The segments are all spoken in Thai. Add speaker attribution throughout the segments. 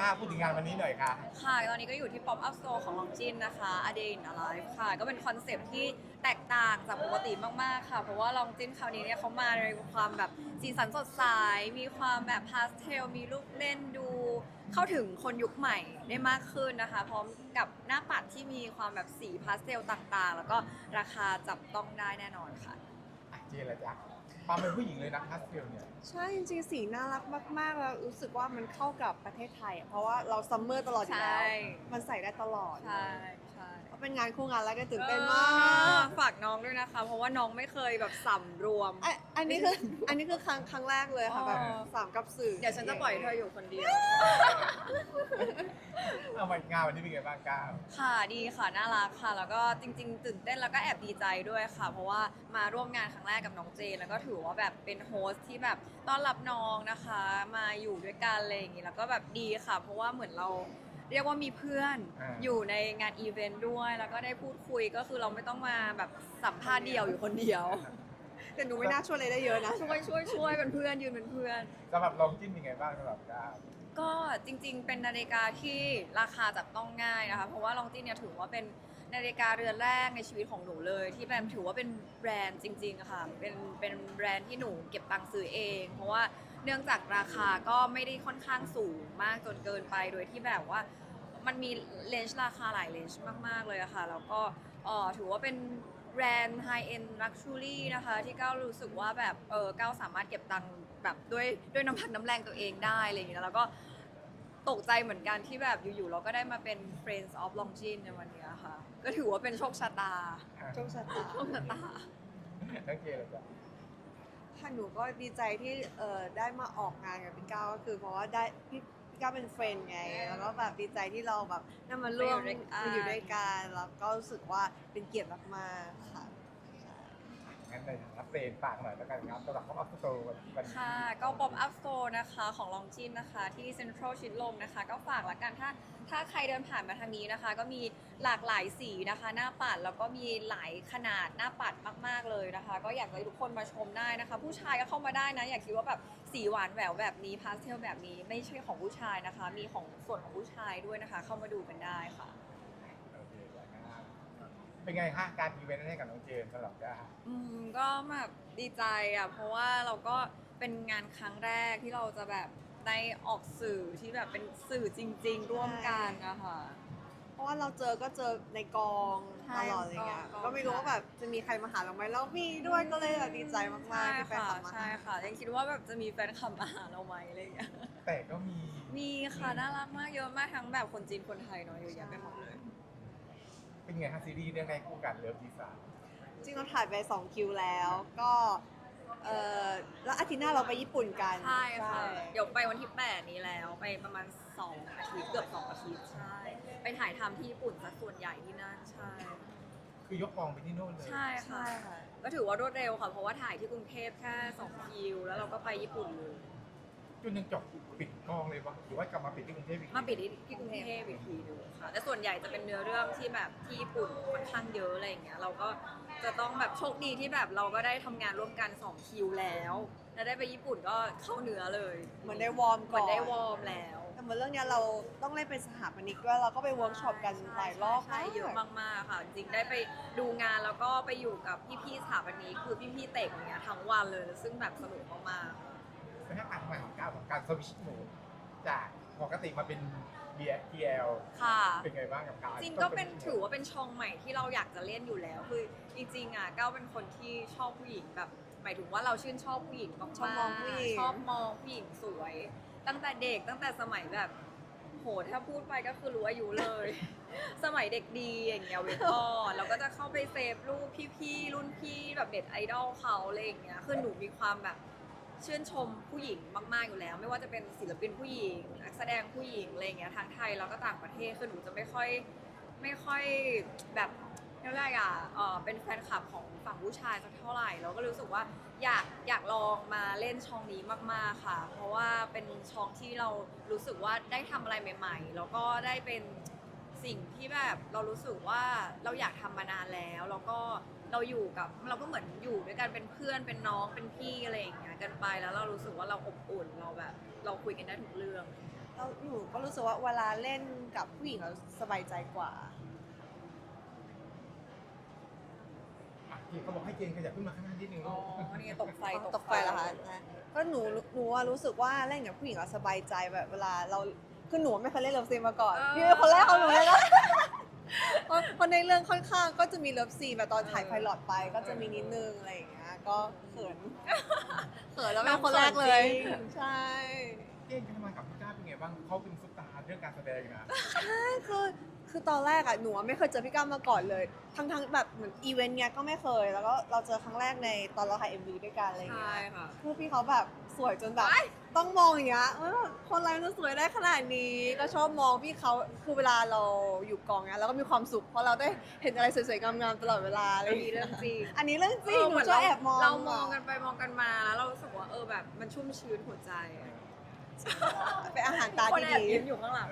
Speaker 1: พูดถึงงานวันนี้หน่อยค่ะ
Speaker 2: ค่ะตอนนี้ก็อยู่ที่ Pop Up Store ของลองจินนะคะ A Day in a Life ค่ะ ก็เป็นคอนเซปต์ที่แตกต่างจากปกติมากๆค่ะ เพราะว่าลองจินคราวนี้เนี่ยเขามาในความแบบสีสันสดใส มีความแบบพาสเทล มีลูกเล่นดู เข้าถึงคนยุคใหม่ได้มากขึ้นนะคะ พร้อมกับหน้าปัดที่มีความแบบสีพาสเทลต่างๆ แล้วก็ราคาจับต้องได้แน่นอนค่ะ
Speaker 1: เจนละจ๊ะความเป็นผู้หญิงเลยนะพาสเทลเนี่ย
Speaker 3: ใช่จริงๆสีน่ารักมากๆแล้วรู้สึกว่ามันเข้ากับประเทศไทยอะเพราะว่าเราซัมเมอร์ตลอดอยู่แล้ว
Speaker 2: ใช่
Speaker 3: มันใส่ได้ตลอด
Speaker 2: ใช่ใช่
Speaker 3: ก็เป็นงานคู่งานแล้วก็ตื่นเต้นมาก
Speaker 2: ฝากน้องด้วยนะคะ เพราะว่าน้องไม่เคยแบบสำรวม
Speaker 3: อันนี้คือครั้งแรกเลยค่ะ
Speaker 2: อ๋อ
Speaker 3: แบบสามกับสื่อ
Speaker 2: เดี๋ยวฉันจะปล่อยเธออยู่คนเดียว
Speaker 1: เอาวันงานวันนี้เป็นไงบ้างก้าว
Speaker 2: ค่ะดีค่ะน่ารักค่ะ แล้วก็จริงๆตื่นเต้นแล้วก็แอบดีใจด้วยค่ะ เพราะว่ามาร่วมงานครั้งแรกกับน้องเจนแล้วก็ถือว่าแบบเป็นโฮสที่แบบต้อนรับน้องนะคะ มาอยู่ด้วยกันอะไรอย่างงี้แล้วก็แบบดีค่ะ เพราะว่าเหมือนเราเรียกว่ามีเพื่อนอยู่ในงานอีเวนต์ด้วย แล้วก็ได้พูดคุยก็คือเราไม่ต้องมาแบบสัมภาษณ์เดี่ยวอยู่คนเดียว
Speaker 3: แต่หนูไม่น่าช่วยอะไรได้เยอะนะ
Speaker 2: ช่วยเป็นเพื่อนยืนเป็นเพื่อน
Speaker 1: สำหรับลองจิ้นเป็นไงบ้างสำหรับก้าว
Speaker 2: ก็จริงๆ เป็นนาฬิกาที่ราคาจับต้องง่ายนะคะ เพราะว่าลองจินเนี่ยถือว่าเป็นนาฬิกาเรือนแรกในชีวิตของหนูเลย ที่แบบถือว่าเป็นแบรนด์จริงๆอะค่ะเป็นแบรนด์ที่หนูเก็บตังค์ซื้อเอง เพราะว่าเนื่องจากราคาก็ไม่ได้ค่อนข้างสูงมากจนเกินไปโดยที่แบบว่ามันมีเลนส์ราคาหลายเลนส์มากๆเลยอะค่ะแล้วก็ถือว่าเป็นแบรนด์ไฮเอ็นลักชูรี่นะคะที่ก้าวรู้สึกว่าแบบก้าวสามารถเก็บตังค์แบบด้วยน้ำพักน้ำแรงตัวเองได้อะไรอย่างเงี้ยแล้วก็ ตกใจเหมือนกันที่แบบอยู่ๆเราก็ได้มาเป็น Friends of Longines ในวันนี้ค่ะ ก็ถือว่าเป็นโชคชะตา
Speaker 3: โชคชะตา
Speaker 2: โชคชะตา
Speaker 1: ทั้งเจนละจ๊ะ
Speaker 3: ค่ะหนูก็ดีใจที่ได้มาออกงานกับพี่ก้าวก็คือเพราะว่าได้พี่ก้าวเป็นเฟรนด์ไง แล้วก็แบบดีใจที่เราแบบได้มาร่วม
Speaker 2: ไปอยู่ด้วยกัน
Speaker 3: มาอยู่ด้วยกันแล้วก็รู้สึกว่าเป็นเกียรติมากๆค่ะ
Speaker 1: งั้นในฐานะเฟรนฝากหน่อยแล้วกันครับสำหรับเขาอัพสโตร์วันนี้
Speaker 2: ค่ะก็ Pop Up Store นะคะของ Longines นะคะที่ Central ชิดลมนะคะ ก็ฝากละกันถ้าใครเดินผ่านมาทางนี้นะคะ ก็มีหลากหลายสีนะคะ หน้าปัดแล้วก็มีหลายขนาดหน้าปัดมากๆเลยนะคะ ก็อยากให้ทุกคนมาชมได้นะคะ ผู้ชายก็เข้ามาได้นะ อย่าคิดว่าแบบสีหวานแหววแบบนี้พาสเทลแบบนี้ไม่ใช่ของผู้ชายนะคะ มีของส่วนของผู้ชายด้วยนะคะ เข้ามาดูกันได้ค่ะ
Speaker 1: โอเคนะครับเป็นไงฮะการอีเวนต์ให้กับน้องเจนสำหรับก้าว
Speaker 2: ก็แบบดีใจอ่ะเพราะว่าเราก็เป็นงานครั้งแรกที่เราจะแบบได้ออกสื่อที่แบบเป็นสื่อจริง ๆ ร่วมกันนะคะ
Speaker 3: เพราะว่าเราก็เจอในกอง
Speaker 2: ใช่
Speaker 3: ตลอดอะไรเงี้ย
Speaker 2: กอง
Speaker 3: ก็ไม่รู้ว่าแบบจะมีใครมาหาเราไหมแล้วมีด้วยก็เลยแบบดีใจมาก
Speaker 2: ใช่
Speaker 3: ๆที่แฟน
Speaker 2: ค่ะ
Speaker 3: คลับมา
Speaker 2: ใช่ค่ะยังคิดว่าแบบจะมีแฟนคลับมาหาเราไหมอะไรอย่างเงี้ย
Speaker 1: แต่ก็มี
Speaker 2: มีค่ะน่ารักมากเยอะมากทั้งแบบคนจีนคนไทยเนาะเยอะแยะไปหมดเลย
Speaker 1: เป็นไงฮะซีรีส์เรื่องแรกคู่กันเลิฟดีไซน์
Speaker 3: จริงเราถ่ายไป2คิวแล้วก็แล้วอาทิตย์หน้าเราไปญี่ปุ่นกัน
Speaker 2: ใช่ค่ะ เดี๋ยวไปวันที่ 8 นี้แล้วไปประมาณ2 อาทิตย์เกือบ2 อาทิตย์ใช่ ไปถ่ายทำที่ญี่ปุ่นซะส่วนใหญ่ที่นั่นใช่
Speaker 1: คือยกกองไปที่โน่นเลย
Speaker 2: ใช่ค่ะ ก็ถือว่ารวดเร็วค่ะ เพราะว่าถ่ายที่กรุงเทพแค่2 คิว แล้วเราก็ไปญี่ปุ่นเลย
Speaker 1: จนยังจบปิดกองเลยปะหรือว่ากลับมาปิดที่กรุงเทพอีก
Speaker 2: มาปิดที่กรุงเทพอีกทีหนึงค่ะ แต่ส่วนใหญ่จะเป็นเนื้อเรื่องที่แบบที่ญี่ปุ่นค่อนข้างเยอะอะไรอย่างเงี้ย เราก็จะต้องแบบโชคดีที่แบบเราก็ได้ทำงานร่วมกัน2 คิวแล้วแล้วได้ไปญี่ปุ่นก็เข้าเนื้อเลย
Speaker 3: เหมือนได้วอร์ม
Speaker 2: เห
Speaker 3: ก่
Speaker 2: มื
Speaker 3: อ
Speaker 2: อน นได้วอร์มแล้ว
Speaker 3: แต่เหมือนเรื่องเนี้ยเราต้องเล่นเป็นสถาปนิกด้วยเราก็ไปเวิร์กช็อปกันหลายรอบ
Speaker 2: ใช่เยอะมากๆค่ะ จริงได้ไปดูงานแล้วก็ไปอยู่กับพี่ๆสถาปนิกคือพี่ๆเตะอย่างเงี้ยทั้งวันเลยซึ่งแบบสนุกมากๆ
Speaker 1: เป็นแค่การทำงานของก้าวของการสวิชโหมดจากปกติมาเป็น BL
Speaker 2: ค่ะ
Speaker 1: เป็นไงบ้างกับการ
Speaker 2: จริงก็เป็นถือว่าเป็นช่องใหม่ที่เราอยากจะเล่นอยู่แล้วคือจริงๆอ่ะก้าวเป็นคนที่ชอบผู้หญิงแบบหมายถึงว่าเราชื่นชอบผู้หญิงมากๆ
Speaker 3: ชอบมองผู้หญิง
Speaker 2: ชอบมองผู้หญิงสวย ตั้งแต่เด็กตั้งแต่สมัยแบบโหถ้าพูดไปก็คือรู้อายุเลย สมัยเด็กดีอย่างเงี้ยเวทออนเราก็จะเข้าไปเซฟรูปพี่ๆรุ่นพี่แบบเด็ดไอดอลเขาอะไรอย่างเงี้ยคือหนูมีความแบบ ชื่นชมผู้หญิงมากๆอยู่แล้ว ไม่ว่าจะเป็นศิลปินผู้หญิงนักแสดงผู้หญิงอะไรอย่างเงี้ยทั้งไทยแล้วก็ต่างประเทศคือหนูจะไม่ค่อยแบบเรียกว่าอะไรอ่ะเป็นแฟนคลับของฝั่งผู้ชายสักเท่าไหร่เราก็รู้สึกว่าอยากลองมาเล่นช่องนี้มากๆค่ะ เพราะว่าเป็นช่องที่เรารู้สึกว่าได้ทำอะไรใหม่ๆแล้วก็ได้เป็นสิ่งที่แบบเรารู้สึกว่าเราอยากทำมานานแล้วแล้วก็ เราอยู่กับเราก็เหมือนอยู่ด้วยกันเป็นเพื่อนเป็นน้องเป็นพี่อะไรอย่างเงี้ยกันไปแล้วเรารู้สึกว่าเราอบอุ่นเราแบบเราคุยกันได้ทุกเรื่อง
Speaker 3: แล้วหนูก็รู้สึกว่าเวลาเล่นกับผู้หญิงเราสบายใจกว่า
Speaker 1: ที่เขาบอกให้เจนขยับขึ้นมาข้างหน้านิดนึง
Speaker 2: อ๋
Speaker 1: ลู
Speaker 2: อก นี่ตกไฟ
Speaker 3: ตกไฟเหรอคะนะก็หนูว่ารู้สึกว่าเล่นกับผู้หญิงเราสบายใจแบบเวลาเราคือหนูไม่เคยเล่นเลิฟซีนมาก่อนพี่เป็นคนแรกของหนูเลยนะเพราะในเรื่องค่อนข้างก็จะมีเลิฟซีนแบบตอนถ่ายไพลอตไปก็จะมีนิดนึงอะไรอย่างเงี้ยก็เขินแล้วเป็นคนแรกเลยใช่
Speaker 1: เจนทำงานกับพี่ก้าวเป็นไงบ้างเขาเป็นซุปตาร์เรื่องการแสดงนะ
Speaker 3: ใช่คือตอนแรกอะหนูไม่เคยเจอพี่ก้าวมาก่อนเลย ทั้งแบบเหมือนอีเวนต์เนี้ยก็ไม่เคย แล้วก็เราเจอครั้งแรกในตอนเราถ่าย MV ด้วยกันอะไรอย่างเงี้
Speaker 2: ใช่
Speaker 3: ย
Speaker 2: ค่ะ
Speaker 3: คือพี่เขาแบบสวยจนแบบต้องมองอย่างเงี้ยคนอะไรมันสวยได้ขนาดนี้ ก็ชอบมองพี่เขาคือเวลาเราอยู่กองเนี้ยเราก็มีความสุขเพราะเราได้เห็นอะไรสวยๆงามๆตลอดเวลาอะไร
Speaker 2: อั
Speaker 3: อน ย่าง
Speaker 2: นี้
Speaker 3: เงี้ย
Speaker 2: เรื่องจริง
Speaker 3: อันนี้เรื่องจริงหนู
Speaker 2: เหมือน
Speaker 3: ชอบแอบมอง
Speaker 2: เรามองกันไปมองกันมาแล้วเรารู้สึกว่าแบบมันชุ่มชื้นหัวใจอะ
Speaker 3: เป็นอาหารตา
Speaker 2: คน
Speaker 3: ที่
Speaker 2: แอบ
Speaker 3: ดี
Speaker 2: ยิ้มอยู่ข้างหลัง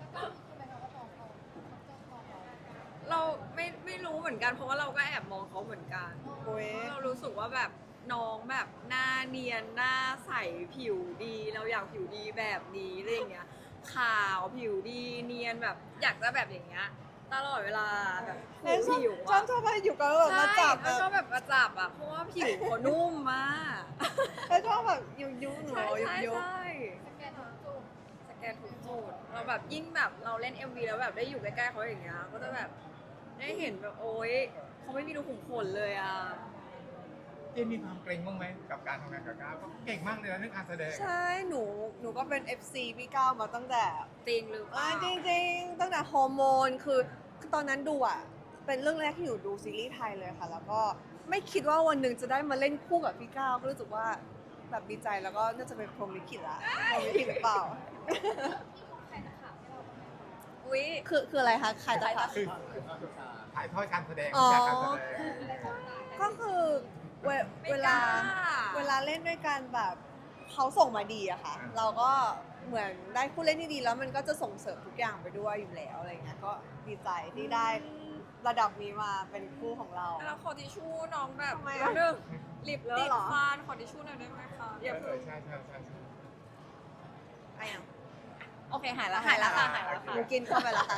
Speaker 2: เราไม่รู้เหมือนกันเพราะว่าเราก็แอบมองเขาเหมือนกัน
Speaker 3: โอ้ย
Speaker 2: เรารู้สึกว่าแบบน้องแบบหน้าเนียนหน้าใสผิวดี เราอยากผิวดีแบบนี้อะไรอย่างเงี้ยขาวผิวดีเนียนแบบอยากจะแบบอย่างเงี้ยตลอดเวลาแบบ
Speaker 3: ชอบ
Speaker 2: ผิว
Speaker 3: ชอบ
Speaker 2: อะ
Speaker 3: ชอบมาอยู่กันแล้วแบบมาจับ
Speaker 2: ใช่แล้วก็แบบมาจับอะเพราะว่าผิวเขานุ่มมาก
Speaker 3: แล้วชอบแบบยุบหนู
Speaker 2: ใช่
Speaker 3: ยุบ
Speaker 2: ใช่
Speaker 3: ยุบ
Speaker 2: ใช่สแกนทุกจุดเราแบบยิ่งแบบเราเล่น MV แล้วแบบได้อยู่ใกล้ๆเขาอย่างเงี้ยก็จะแบบได้เห็นแบบโอ๊ยเขาไม่มีรูขุมขนเลยอะ
Speaker 1: เจนมีความเกรงบ้างไหมกับการทำงานกับก้าวก็เก่งมากเลยนะเรื่องการแสดง
Speaker 3: ใช่หนูก็เป็น FC พี่ก้าวมาตั้งแต่
Speaker 2: จริงหรือเปล่า
Speaker 3: จริงๆตั้งแต่ฮอร์โมนคือตอนนั้นดูอ่ะ เป็นเรื่องแรกที่หนูดูซีรีส์ไทยเลยค่ะ แล้วก็ไม่คิดว่าวันหนึ่งจะได้มาเล่นคู่กับพี่ก้าวก็รู้สึกว่าแบบดีใจแล้วก็น่าจะเป็นพรหมลิขิตละพรหมลิขิตหรือเปล่า
Speaker 2: อุ๊ย
Speaker 3: คืออะไรคะขายตะขาบ
Speaker 1: คือถ่ายทอดการแสดง
Speaker 3: อ๋อ
Speaker 1: จากการแสดง
Speaker 3: ก็คือเว
Speaker 2: ไม่
Speaker 3: เว
Speaker 2: ก
Speaker 3: ลา
Speaker 2: ล้า
Speaker 3: เวลาเล่นด้วยกันแบบเขาส่งมาดีอะค่ะ เราก็เหมือนได้ผู้เล่นที่ดีแล้วมันก็จะส่งเสริมทุกอย่างไปด้วยอยู่แล้วอะไรเงี้ยก็ดีใจที่ได้ระดับนี้มาเป็นคู่ของเรา
Speaker 2: แล้วขอทิชชู่น้องแบบ
Speaker 3: ทำไมอะ
Speaker 2: เรื่องลิป
Speaker 3: เลอะ
Speaker 2: ติด
Speaker 3: เหรอ
Speaker 2: ฟันขอทิชชู่หน่อยได้ไหมคะอย่าเพิ่ง
Speaker 1: ใช่ใช่ใช่
Speaker 3: ไอ้อะ
Speaker 2: โอเคหายแล้วค่ะหายแล้วค่ะ
Speaker 3: หนูกินเข้าไปแล้วค่ะ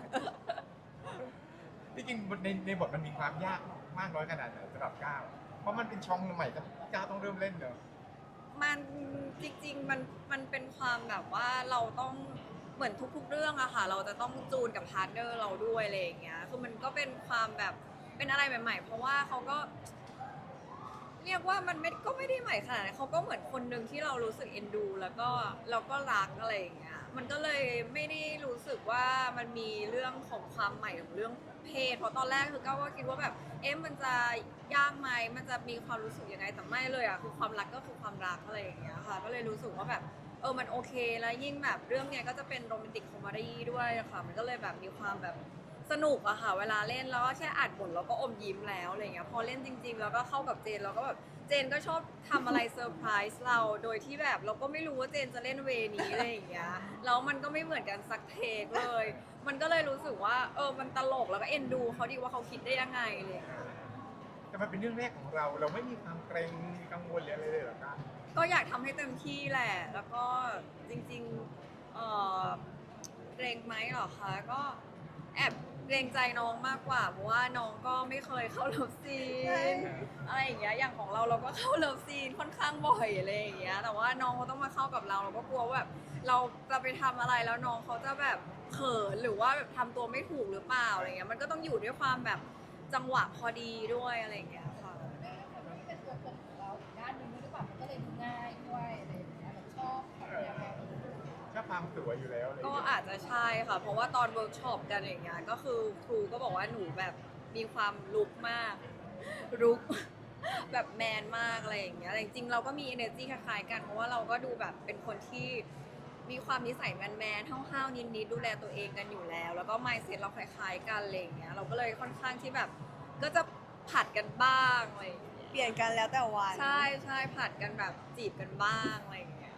Speaker 1: ที่จริงในบทมันมีความยากมากน้อยขนาดไหนสำหรับก้าวเพราะมันเป็นช่องใหม่ที่ก้าวต้องเริ่มเล่นเนอะ
Speaker 2: มันจริงๆมันเป็นความแบบว่าเราต้องเหมือนทุกๆเรื่องอะค่ะ เราจะต้องจูนกับพาร์ทเนอร์เราด้วยอะไรอย่างเงี้ยคือมันก็เป็นความแบบเป็นอะไรใหม่ๆ เพราะว่าเขาก็ เรียกว่ามันก็ไม่ได้ใหม่ขนาดนั้นเขาก็เหมือนคนหนึ่งที่เรารู้สึกเอ็นดู แล้วก็เราก็รักอะไรอย่างเงี้ยมันก็เลยไม่ได้รู้สึกว่ามันมีเรื่องของความใหม่ของเรื่องเพศเพราะตอนแรกคือก้าวก็คิดว่าแบบมันจะยากไหมมันจะมีความรู้สึกยังไงแต่ไม่เลยอะคือความรักก็คือความรักอะไรอย่างเงี้ยค่ะก็เลยรู้สึกว่าแบบมันโอเคแล้วยิ่งแบบเรื่องเนี้ยก็จะเป็นโรแมนติกคอมเมดี้ด้วยอะค่ะมันก็เลยแบบมีความแบบสนุกอะค่ะเวลาเล่นแล้วก็แค่อ่านบทเราก็อมยิ้มแล้วอะไรเงี้ยพอเล่นจริงๆแล้วก็เข้ากับเจนเราก็แบบเจนก็ชอบทำอะไรเซอร์ไพรส์เราโดยที่แบบเราก็ไม่รู้ว่าเจนจะเล่นเวนี้อะไรอย่างเงี้ยแล้วมันก็ไม่เหมือนกันสักเทคเลย มันก็เลยรู้สึกว่ามันตลกแล้วก็เอ็นดูเขาดีว่าเขาคิดได้ยังไงอะไรเลย
Speaker 1: แต่มันเป็นเรื่องแรกของเราไม่มีความเกรงมีกังวลหรืออะไรเลยเหรอก้าว
Speaker 2: ก็อยากทำให้เต็มที่แหละ แล้วก็จริงๆเกรงไหมเหรอคะ ก็แอบเกรงใจน้องมากกว่า เพราะว่าน้องก็ไม่เคยเข้าเลิฟซี
Speaker 3: ใช่
Speaker 2: นอะไรอย่างเงี้ย อย่างของเราก็เข้าเลิฟซีนค่อนข้างบ่อยอะไรอย่างเงี้ย แต่ว่าน้องเขาต้องมาเข้ากับเราก็กลัวว่าแบบเราจะไปทำอะไรแล้วน้องเขาจะแบบเขินหรือว่าแบบทำตัวไม่ถูกหรือเปล่าอะไรเงี้ย มันก็ต้องอยู่ด้วยความแบบจังหวะพอดีด้วยอะไรอย่างเงี้ยค่ะ
Speaker 4: เป็นตัวตนของเราอีกด้านหนึ่งด้วยหรือเปล่ามันก็เลยดูง่ายด้วยอะไรอย่างเงี้ยเราชอบแบบแนวนี้
Speaker 1: ชอบความสวยอยู่แล้วอะไรอย่าง
Speaker 2: ก็
Speaker 1: เงี้ย
Speaker 2: อาจจะใช่ค่ะ เพราะว่าตอนเวิร์กช็อปกันอย่างเงี้ยก็คือครูก็บอกว่าหนูแบบมีความลุกมากลุก แบบแมนมากอะไรอย่างเงี้ยแต่จริงๆเราก็มี energy คล้ายๆกันเพราะว่าเราก็ดูแบบเป็นคนที่มีความนิสัยแมนๆห้าวๆนิดๆดูแลตัวเองกันอยู่แล้ว แล้วก็ mindset เราคล้ายๆกันอะไรอย่างเงี้ยเราก็เลยค่อนข้างที่แบบก็จะผัดกันบ้างอะไรอย่างเงี้ย
Speaker 3: เปลี่ยนกันแล้วแต่วัน
Speaker 2: ใช่ใช่ผัดกันแบบจีบกันบ้างอะไรอย่างเงี้ย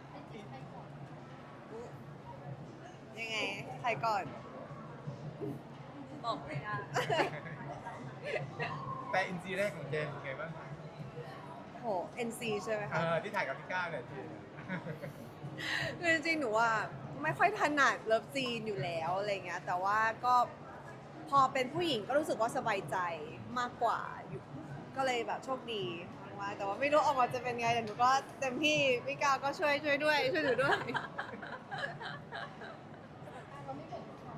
Speaker 3: ยังไงใครก่อน
Speaker 2: บอกไม่ได้
Speaker 1: แต่อินซีแรกของเจนเป็นไงบ้าง
Speaker 3: โห NC ใช่ไหมคะ
Speaker 1: ที่ถ่ายกับพี่ก้าวเนี่ยเจน
Speaker 3: คือจริงๆหนูว่าไม่ค่อยถนัดเลิฟซีนอยู่แล้วอะไรเงี้ยแต่ว่าก็พอเป็นผู้หญิงก็รู้สึกว่าสบายใจมากกว่าอยู่ก็เลยแบบโชคดีมากๆแต่ว่าไม่รู้ออกมาจะเป็นไงแต่หนูก็เต็มที่พี่ก้าวก็ช่วยด้วยช่วยหนูด้วย
Speaker 4: เราไม่บ่นเขา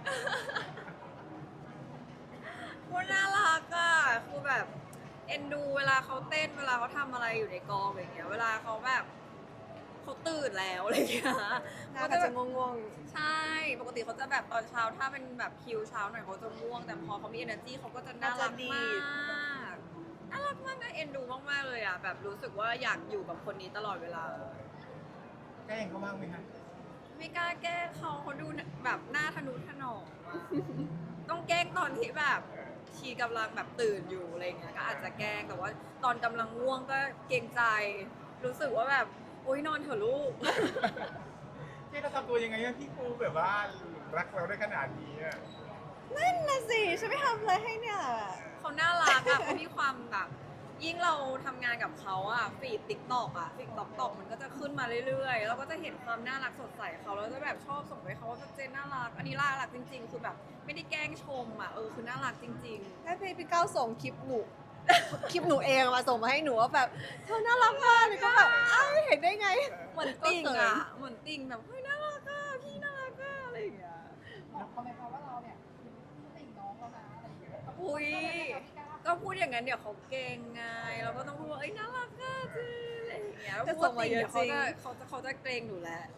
Speaker 2: พูดน่ารักอ่ะคือแบบเอ็นดูเวลาเขาเต้นเวลาเขาทำอะไรอยู่ในกองอย่างเงี้ยเวลาเขาแบบเขาตื่นแล้วอะไรอย่างเงี้ย
Speaker 3: หน้า
Speaker 2: เขา
Speaker 3: ก็
Speaker 2: จะแบ
Speaker 3: จะ
Speaker 2: บ
Speaker 3: ง่วง
Speaker 2: ใช่ปกติเขาจะแบบตอนเช้าถ้าเป็นแบบคิวเช้าหน่อยเขาจะง่วงแต่พอเขามี energy เขาก็จะน่ารักมากน่ารักมากนะเอ็นดูมากๆเลยอ่ะแบบรู้สึกว่าอยากอยู่กับคนนี้ตลอดเวลา
Speaker 1: แกล้งเขาบ้างไหมครับ
Speaker 2: ไม่กล้าแกล้งเขาดูแบบหน้าทะนุถนอมอะต้องแกล้งตอนที่แบบชีกำลังแบบตื่นอยู่อะไรเงี้ยก็อาจจะแกล้งแต่ว่าตอนกำลังง่วงก็เกรงใจ รู้สึกว่าแบบโอ๊ยนอนเถอะลูก
Speaker 1: ที่เราทำตัวยังไงให้พี่ปูแบบว่ารักเราได้ขนาดนี้อะ
Speaker 3: ๆนั่นน่ะสิฉันไม่ทำอะไรให้เนี่ย
Speaker 2: เขาน่ารักอะเขามีความแบบยิ่งเราทำงานกับเขาอะฟีดติ๊กตอกอะฟีดติ๊กตอกมันก็จะขึ้นมาเรื่อยๆเราก็จะเห็นความน่ารักสดใสเขาแล้วจะแบบชอบส่งไปเขาว่าเจนน่ารักอันนี้น่ารักจริงๆ คือแบบไม่ได้แกล้งชมอะคือน่ารักจริง ๆ
Speaker 3: ให้พี่ก้าวส่งคลิปหนู คลิปหนูเองมาส่งมาให้หนูว่าแบบเธอน่ารักมากเลยก็แบบอ้าวเห็นได้ไง
Speaker 2: เหมือนติ่งอ่ะ เหมือนติ่งแบบเฮ้ยน่ารักอ่ะพี่น่ารักอ่ะอะไรอย่างเงี้ย
Speaker 4: บอกเขาไหมคะว่าเราเนี่ยติ่งน้องแล้วนะอะไรอย่างเงี้ย
Speaker 2: อุ้ย
Speaker 4: พี่ก้าว
Speaker 2: ก็พูดอย่างนั้นเดี๋ยวเขาเก่งไงเราก็ต้องพูดว่าเอ้ยน่ารักอ่ะจีอะไรอย่างเงี้ยแล้ว
Speaker 3: จะ
Speaker 2: พูด
Speaker 3: ส่
Speaker 2: ว่าง
Speaker 3: มา
Speaker 2: ติ่ง
Speaker 3: เย
Speaker 2: เดี๋
Speaker 3: อะ
Speaker 2: ยว
Speaker 3: จริง
Speaker 2: เขาจะเกรงอยู่แล้ว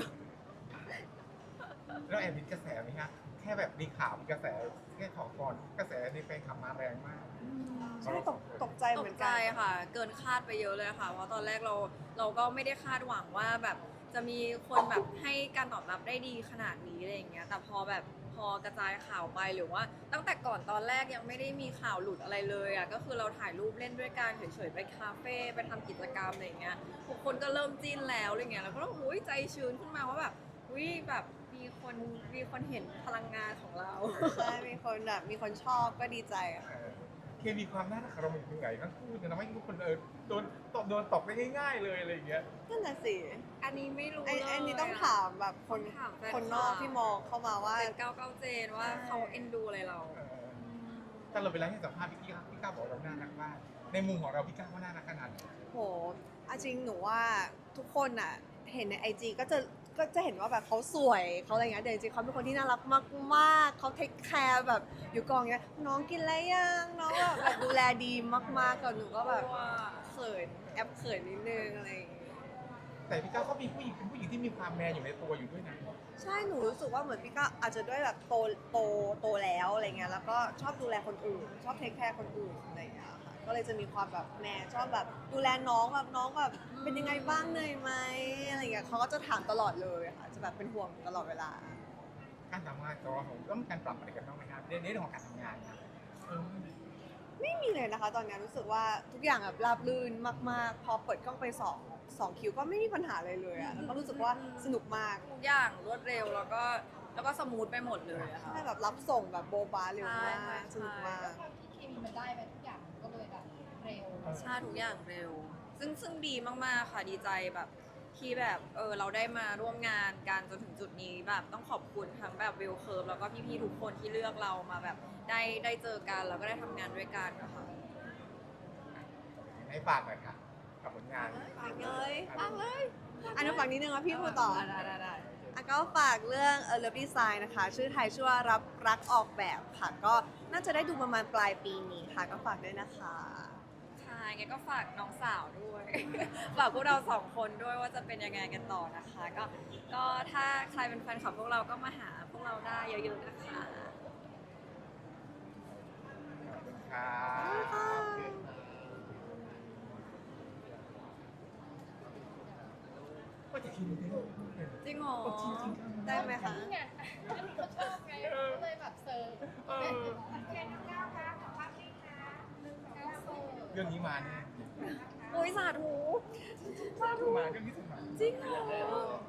Speaker 1: แล้วแอบมีกระแสไหมฮะแค่แบบมีข่าวมีกระแสแค่ขอก่อนกระแสในแฟนคลับมาแรงมาก
Speaker 3: ใช่ตกใจ
Speaker 2: ต
Speaker 3: เหมื
Speaker 2: ก
Speaker 3: อน
Speaker 2: ใจ
Speaker 3: กัน
Speaker 2: ค่ะ เกินคาดไปเยอะเลยค่ะ เพราะตอนแรกเราก็ไม่ได้คาดหวังว่าแบบจะมีคนแบบให้การตอบรับได้ดีขนาดนี้อะไรอย่างเงี้ย แต่พอกระจายข่าวไปหรือว่าตั้งแต่ก่อนตอนแรกยังไม่ได้มีข่าวหลุดอะไรเลยอ่ะ ก็คือเราถ่ายรูปเล่นด้วยกันเฉยๆไปคาเฟ่ไปทำกิจกรรมอะไรอย่างเงี้ย ทุกคนก็เริ่มจิ้นแล้วอะไรเงี้ย แล้วก็อุ้ยใจชื้นขึ้นมาว่าแบบอุ้ยแบบมีคนเห็นพลังงานของเรา
Speaker 3: ใช่มีคนแบบมีคนชอบก็ดีใจอะ
Speaker 1: เคมีความน่ารักของเราเป็นยังไงทั้งคู่จะทำให้ทุกคนโดนตกได้ง่ายๆเลยอะไรอย่างเงี้ย
Speaker 3: นั่นน่ะสิ
Speaker 2: อันนี้ไม่รู้
Speaker 3: อันนี้ต้องถามแบบคน
Speaker 2: ถามแฟน
Speaker 3: คนนอกที่มองเข้ามาว่า
Speaker 2: เจน99เจนว่าเขาเอ็นดูอะไรเรา
Speaker 1: ถ้าเราไปไลฟ์ให้สัมภาษณ์พี่ก้าวบอกเราน่ารักมากในมุมของเราพี่ก้าวว่าน่ารักขนาดไหน
Speaker 3: โหเอาจริงหนูว่าทุกคนอ่ะเห็นในไอจีก็จะเห็นว่าแบบเขาสวยเขาอะไรเงี้ยแต่จริงๆเขาเป็นคนที่น่ารักมากๆเขาเทคแคร์แบบอยู่กองเงี้ยน้องกินอะไรยังน้องแบบดูแลดีมากๆกับหนูก็แบบเขินแอบเขินนิดนึงอะไรอย่างเงี้ย
Speaker 1: แต่พี่ก้าวก็มีผู้หญิงเป็นผู้หญิงที่มีความแมนอยู่ในตัวอยู่ด้วยนะ
Speaker 3: ใช่หนูรู้สึกว่าเหมือนพี่ก็อาจจะด้วยแบบโตแล้วอะไรเงี้ยแล้วก็ชอบดูแลคนอื่น ชอบเทคแคร์คนอื่นอะไรเงี้ยค่ะก็เลยจะมีความแบบแม่ชอบแบบดูแลน้องแบบเป็นยังไงบ้างเหนื่อยไหมอะไรเงี้ยเขาก็จะถามตลอดเลยค่ะจะแบบเป็นห่วงตลอดเวลา
Speaker 1: การทำงานตัวของต้องมีการปรับอะไรกันบ้างไหมครับในเรื่องของการทำงานนะเออ
Speaker 3: ไม่มีเลยนะคะ ตอนนี้รู้สึกว่าทุกอย่างแบบราบรื่นมากๆ พอเปิดกล้องไปสองคิวก็ไม่มีปัญหาเลยเลยอะแล้วก็รู้สึกว่าสนุกมาก
Speaker 2: ทุกอย่างรวดเร็วแล้วก็สมูทไปหมดเลยอะค่ะ
Speaker 3: ใช่แบบรับส่งแบบโบบาเร็วมา
Speaker 2: ใช่
Speaker 3: กสนุกมาก
Speaker 4: ด้วยความที่เคมีมันได้ไปทุกอย่างมันก็เลยแบบเร็ว
Speaker 2: ใช่ทุกอย่างเร็ว ซึ่งดีมากๆค่ะดีใจแบบที่แบบเราได้มาร่วมงานกันจนถึงจุดนี้แบบต้องขอบคุณทั้งแบบวิวเคิร์ฟแล้วก็พี่ๆทุกคนที่เลือกเรามาแบบได้เจอกันแล้วก็ได้ทำงานด้วยกันนะคะ
Speaker 1: ให้ฝากหน่อยค่ะกับผลงาน
Speaker 3: ฝากเลย
Speaker 2: ฟังเลย
Speaker 3: อันนั้นฝากนิดนึงนะพี่พูดต่อ
Speaker 2: ได้
Speaker 3: อ่ะก็ฝากเรื่องLove Design นะคะ ชื่อไทยชื่อว่ารับรักออกแบบค่ะ ก็น่าจะได้ดูประมาณปลายปีนี้ค่ะ ก็ฝากด้วยนะคะ
Speaker 2: ใช่งั้นก็ฝากน้องสาวด้วย ฝากพวกเราสองคนด้วยว่าจะเป็นยังไงกันต่อนะคะ ก็ถ้าใครเป็นแฟนคลับพวกเราก็มาหาพวกเราได้เยอะๆนะคะ
Speaker 1: ครับก็จะคิดดูดิ
Speaker 2: จริงเหรอ
Speaker 3: ได้ไหมคะ
Speaker 4: นี่ไงอันนี้เขาชอบไงก็เลยแบบเซิร์ฟ
Speaker 1: เออ
Speaker 4: แค่น้องก้าวคะขอภาพนี้ค่ะก้าวเซิร์ฟ
Speaker 1: เรื่องนี้มาแน่
Speaker 2: อุ้ยสาธุ
Speaker 1: มาเรื่องนี้สมา
Speaker 2: จริงเหรอ